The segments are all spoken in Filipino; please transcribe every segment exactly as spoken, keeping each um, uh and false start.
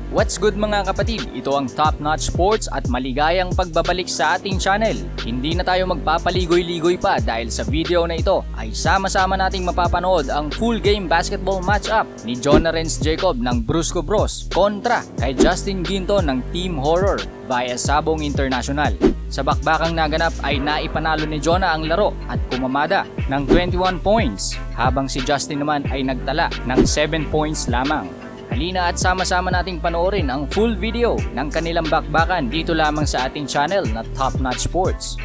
What's good mga kapatid? Ito ang Top Notch Sports at maligayang pagbabalik sa ating channel. Hindi na tayo magpapaligoy-ligoy pa dahil sa video na ito ay sama-sama nating mapapanood ang full game basketball matchup ni Jonah Renz Jacob ng Brusco Bros kontra kay Justin Ginto ng Team Horror via Sabong International. Sa bakbakang naganap ay naipanalo ni Jonah ang laro at kumamada ng twenty-one points habang si Justin naman ay nagtala ng seven points lamang. Halina at sama-sama nating panoorin ang full video ng kanilang bakbakan dito lamang sa ating channel na Top Notch Sports.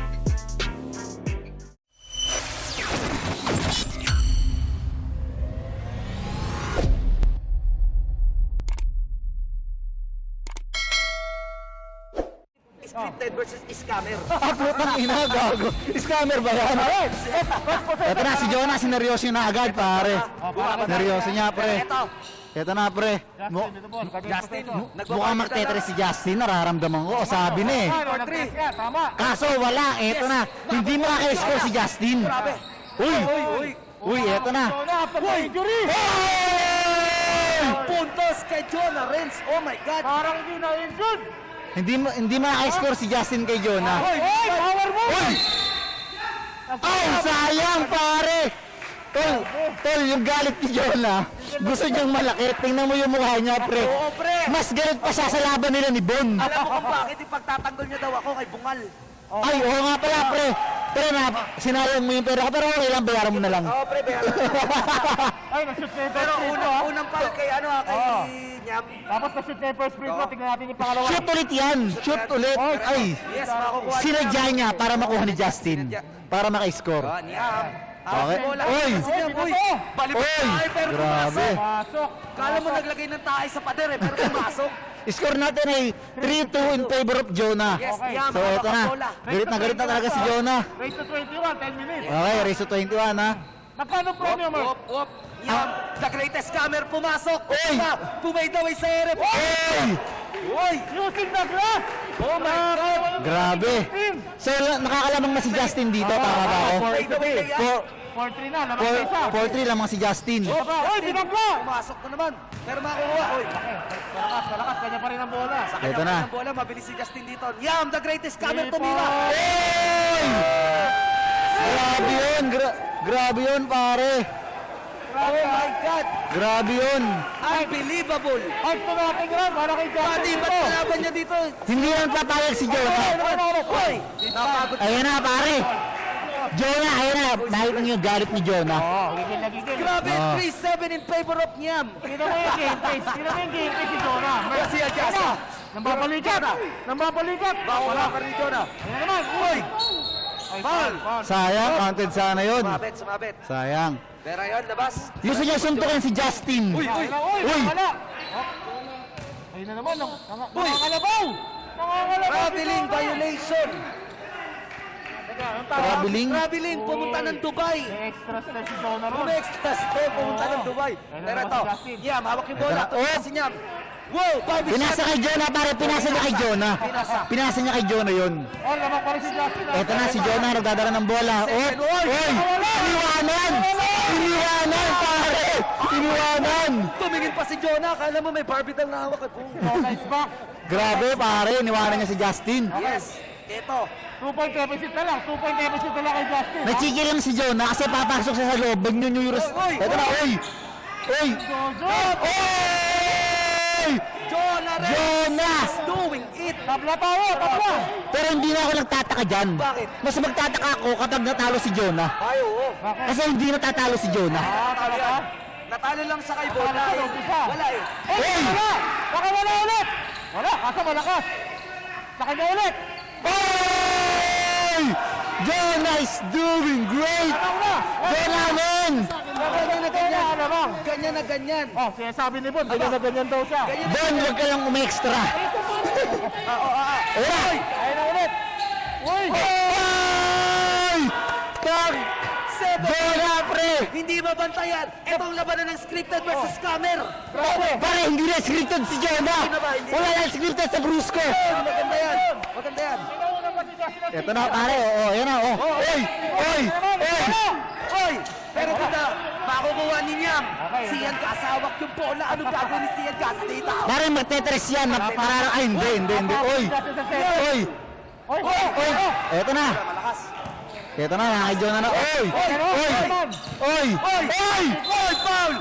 Scripted versus scammer. Putang ina, gago. Scammer ba yan? Ito na, si Jonah, sineryoso na agad, pare. Seryoso niya, pre. Ito, Ito na, pre. Mu Justin, mukhang magtetres si Justin, nararamdaman ko. O, sabi na eh. Kaso wala, eto na. Hindi makaka-score si Justin. Uy! Uy, uy. Uy, eto na. Uy, puntos kay Jonah Renz. Oh my God. Parang hindi na yun dun! Hindi ma hindi makaka-score si Justin kay Jonah. Uy, Hey, power mo! Uy! Ay, sayang, pare! Tol, tol, yung galit ni Jonah, gusto niyang malaki. Tingnan mo yung mukha niya, pre. Oo, pre. Mas galit pa siya sa laban nila ni Bon. Alam mo kung bakit ipagtatanggol niya daw ako kay Bungal. Ay, oo nga pala, pre. Pero na, sinayang mo yung pera ko, pero okay lang, bayaran mo na lang. Oo, pre, bayaran. Ay, na-shoot na yung Pero first free unang, throw, ha? unang foul kay ano ha, kay Oo. Nyam. Tapos na-shoot na yung first free throw, tingnan natin yung pangalawa. Shoot ulit yan, shoot ulit. Ay, Yes, makukuha sinadya niya para makuha ni Justin. Para maka-score. Ah, Nyam. Okay. Bola. Uy! Kasi Nyam, uy. Balibot Uy! tayo, pero Grabe. pumasok. Pasok! Kala mo naglagay ng tayo sa pader eh, pero pumasok. Score natin ay three two in favor of Jonah. Yes, Okay. Nyam, So, ito na. bola. Galit na galit na talaga si Jonah. Race to twenty-one, ten minutes. Okay, race to twenty-one, ha. Magkano premium, Mark? Wop, wop. Nyam, the greatest scammer pumasok. Uy! Pumay daw ay sa ere. Hey! Uy! Using the glass! Oh my God! Grabe. So, nakakalamang na si Justin dito, tama ba ako? Pumay daw ay kaya. four three na, naman sa isa. four three lamang si Justin. Uy, binagla! Pumasok na naman. Pero makukuha. Uy! Malakas, malakas, kanya pa rin ang bola. Sa Ito kanya na. ng bola, mabilis si Justin dito. Yam, the greatest scammer Lipo. tumira. Hey! Grabe yun, gra- grabe yun, pare. Oh my God! Grabe yun. Unbelievable! Ay, ito natin yan, para kay Justin. Pati, ba't kalaban niya dito? Hindi yan papayag si Jonah. Uy! Napagod. Ayan na, pare. Jonah, ayan na. Nakita niyo yung galit ni Jonah. Oo, gigil na gigil. Grabe, Ah. three seven in favor of Nyam. Tingnan mo yung game face. Tingnan mo yung game face si Jonah. Merci, Ajasa. Nambabalikat. Nambabalikat. Bawa ka rin Jonah. Ayan naman. Uy! Ay, Foul. foul. Sayang, counted sana yun. Sumabit, sumabit. Sayang. Pero yun, labas. Gusto niya suntukin si Justin. Uy, uy! Uy! Uy! Wala! Oh. Ayun na naman. nang- nang- Uy! Nakakalabaw! Nakakalabaw! Traveling violation. Teka, ang tawag? Traveling. Traveling, pumunta ng Dubai. May extra step si Jonah ron. May extra step, pumunta ng Dubai. Ayun Pero na ito, naman si Justin. Nyam, hawak yung bola. Ito na. Tumulong Oh! si Nyam. Wow, Bobby Pinasa shot. kay Jonah, pare. Pinasa niya kay Jonah. Pinasa. Pinasa niya kay Jonah yun. Oh, lamang pa rin si Justin. ah. Eto na, si Jonah nagdadala ng bola. Oh, Second, oy! Iniwanan! Iniwanan, pare! Iniwanan! Tumingin pa si Jonah. Kala mo may barbitang na hawak. Jonah is back. Grabe, pare. Iniwanan niya si Justin. Yes. Ito. Two point deficit na lang. Two point deficit na lang kay Justin. ah. Nachigil lang si Jonah kasi papasok siya sa loob. Bagnyunyuros. Oy, oy, Eto na, oy! Oy! Jojo! Oy! Jonah Renz Jonah! is doing it. Tabla tayo! Tabla! Pero hindi na ako nagtataka dyan. Bakit? Mas magtataka ako kapag natalo si Jonah. Ay, oo. Bakit? Kasi hindi natatalo si Jonah. Ah, talaga? Natalo lang sa kay Bola. Natalo sa eh. umpisa. Wala eh. Eh, Hey! wala! Baka wala ulit! Wala, kaso malakas. Sa kanya ulit. Oy! Jonah is doing great! Tanaw na! Jonah, man! Ganyan na ganyan. Alamang. Ganyan na ganyan. Oh, sinasabi ni Bon, ganyan na ganyan daw siya. Ganyan na Bon, huwag ka lang umextra. Ah, oo, ah, ah. Oy! Ayun na ulit. Uy! Oy! Tag! Seven. Jonah, pre! Hindi mabantayan. Itong labanan ng scripted versus scammer. Grabe! Pare, hindi na scripted si Jonah! Hindi na ba? Hindi na. Wala na scripted sa Brusco! Maganda yan. Maganda yan. Sinauna pa si Justin. Ito na, pare. Oo, yan na. Oh. Oy! Oy! Oy! Oy! Pero kung na makukuha ni Niam, Okay. si Ian kasawak yung bola. Anong gagawin ni si Ian Gas dito? Pare, magtetres yan. Mag parang, ay, hindi, hindi, hindi. Oy! Oy! Oy! Oy! Eto na. Malakas. Eto na, mga Jonah na. Oy! Oy! Oy! Oy! Oy, foul!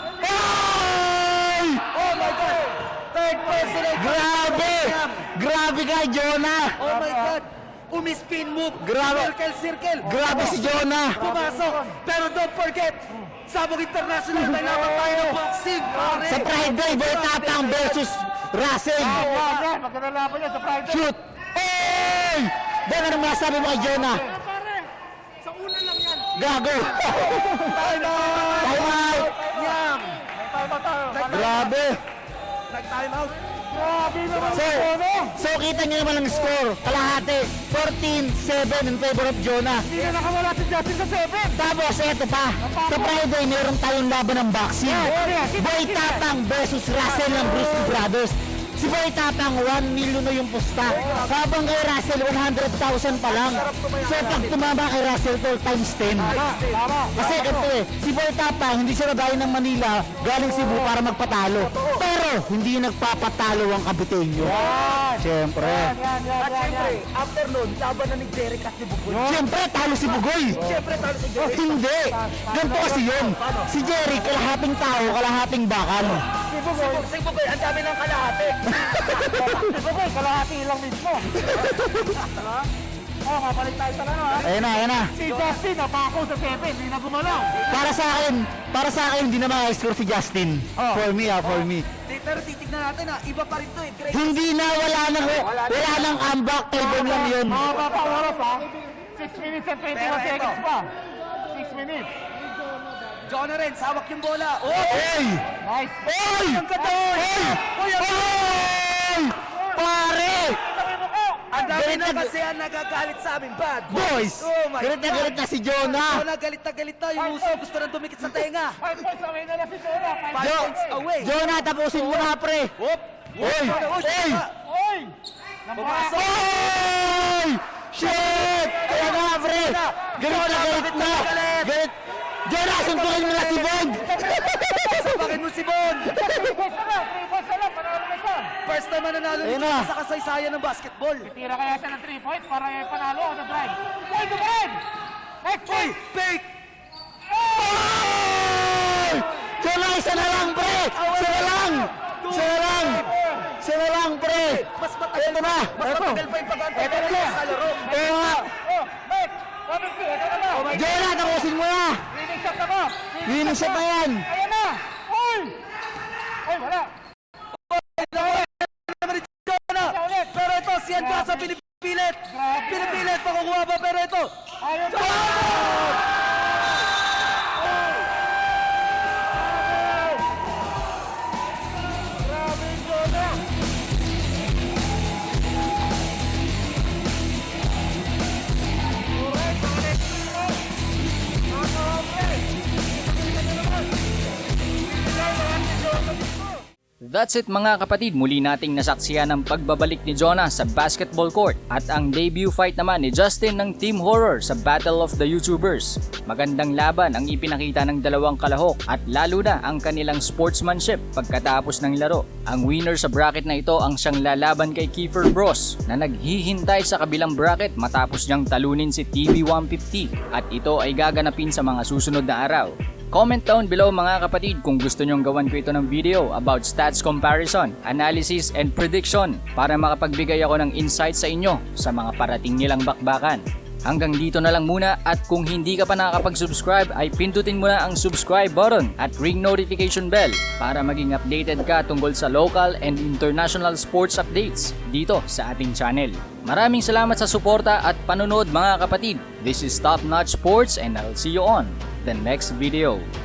Oy! Oh my God! Third personal foul Grabe! ni Niam. Grabe ka, Jonah! Oh my God! Umispin move. Grabe. Circle, circle. Grabe si Jonah! Pumasok. Pero don't forget, Sabog International, may laban tayo ng boxing, pare. Sa Friday, Boy Tapang versus Russell. Wow, yan. Maganda laban yan sa Friday. Shoot! Oy! Dahil ano masabi mo kay Jonah? Pare, sa una lang yan. Gago! Time out! Time out! Niam. Tayo, tayo. Grabe! Nag-time out. Grabe naman So, si Jonah. so kita niyo naman ang score. Kalahati, fourteen seven in favor of Jonah. Hindi na nakawala si Justin sa seven. Tapos, eto pa. Sa Friday, meron tayong laban ng boxing. Boy Tapang versus Russell ng Bruce Brothers. Si Boy Tapang, one million na yung pusta. Habang kay Russell, one hundred thousand pa lang. So, pag tumama kay Russell, to times ten. Tama. Kasi ganito eh, si Boy Tapang, hindi siya nagaling ng Manila, galing Cebu para magpatalo. Pero, hindi nagpapatalo ang Kabiteño. Siyempre. Yan, yan, yan, At yan, syempre, yan. after nun, laban na ni Derek at ni Bugoy. Siyempre, talo si Bugoy. Siyempre, talo si Derek. Hindi. Ganito kasi yun. Si Jerry, kalahating tao, kalahating bakal. Si Bugoy. Si Bugoy, ang dami ng kalahati. Si Bugoy, kalahati lang mismo. Diba? Oh, mabalik tayo sa ano ha. Ayan na, ayan na. Si Justin, napako sa seven. Hindi na gumalaw. Para sa akin, para sa akin, hindi na maka-score si Justin. For me ah, for me. Di- Pero titignan natin ha, iba pa rin to eh. Great. Hindi na, wala nang, wala nang comeback. Kay Bon lang yun. Mahaba pa oras ha. six minutes and twenty-one Pero seconds ito. pa. six minutes. Jonah rin, hawak yung bola. Oh! Oy! Nice. Oy! Ang ganda! Oy! Oy! Pare! Ang dami Galit na na- kasi ang nagagalit sa amin, bad Boys! Oh my Galit na God. galit na si Jonah! Jonah, galit na galit na. Yung uso, gusto nang dumikit sa tenga. Five points away na lang si Jonah. Five Five Jo points away. Jonah, tapusin mo na, pre! Whoop! Oy! Oh, Oy! Jonah. Oy! Pumasok. Oy! Shit! Kaya nga, pre! Galit na galit na! Galit! Jonah, suntukin mo na si Bon! Sabakin mo si Bon. Three points na lang. Three points na lang. Panalo na siya. First time na nanalo Ayun nito na. sa kasaysayan ng basketball. Tira kaya siya ng three points para eh, panalo on the drive. Oy, Dumain! Next Oy, point! fake! Oy! Jonah, isa na lang, pre! Isa na lang! Isa na lang! Isa na lang, pre! Mas matagal Ito na! Mas Ito! matagal pa yung pag-antay Ito na! sa laro. Kaya nga! Oh, next! Robin P, ito na ba? Jonah, tapusin mo na! Winning shot na ba? Winning shot na yan! Ayan na! Oy! Oy, wala! Naman ni Jonah. ulit. Pero ito, si Angasa pinipilit. Grabe. Pinipilit, makukuha ba? Pero ito, Ayun na! Grabe yung Jonah! Correct, correct. Mga hombre! Tingnan nyo naman. Pinilay lahat ni Jonah dito. That's it mga kapatid, muli nating nasaksihan ang pagbabalik ni Jonah sa basketball court at ang debut fight naman ni Justin ng Team Horror sa Battle of the YouTubers. Magandang laban ang ipinakita ng dalawang kalahok at lalo na ang kanilang sportsmanship pagkatapos ng laro. Ang winner sa bracket na ito ang siyang lalaban kay Kiefer Bros na naghihintay sa kabilang bracket matapos niyang talunin si T V one fifty at ito ay gaganapin sa mga susunod na araw. Comment down below mga kapatid kung gusto nyong gawan ko ito ng video about stats comparison, analysis, and prediction para makapagbigay ako ng insight sa inyo sa mga parating nilang bakbakan. Hanggang dito na lang muna at kung hindi ka pa nakakapag-subscribe ay pindutin mo na ang subscribe button at ring notification bell para maging updated ka tungkol sa local and international sports updates dito sa ating channel. Maraming salamat sa suporta at panonood mga kapatid. This is Top Notch Sports and I'll see you on the next video.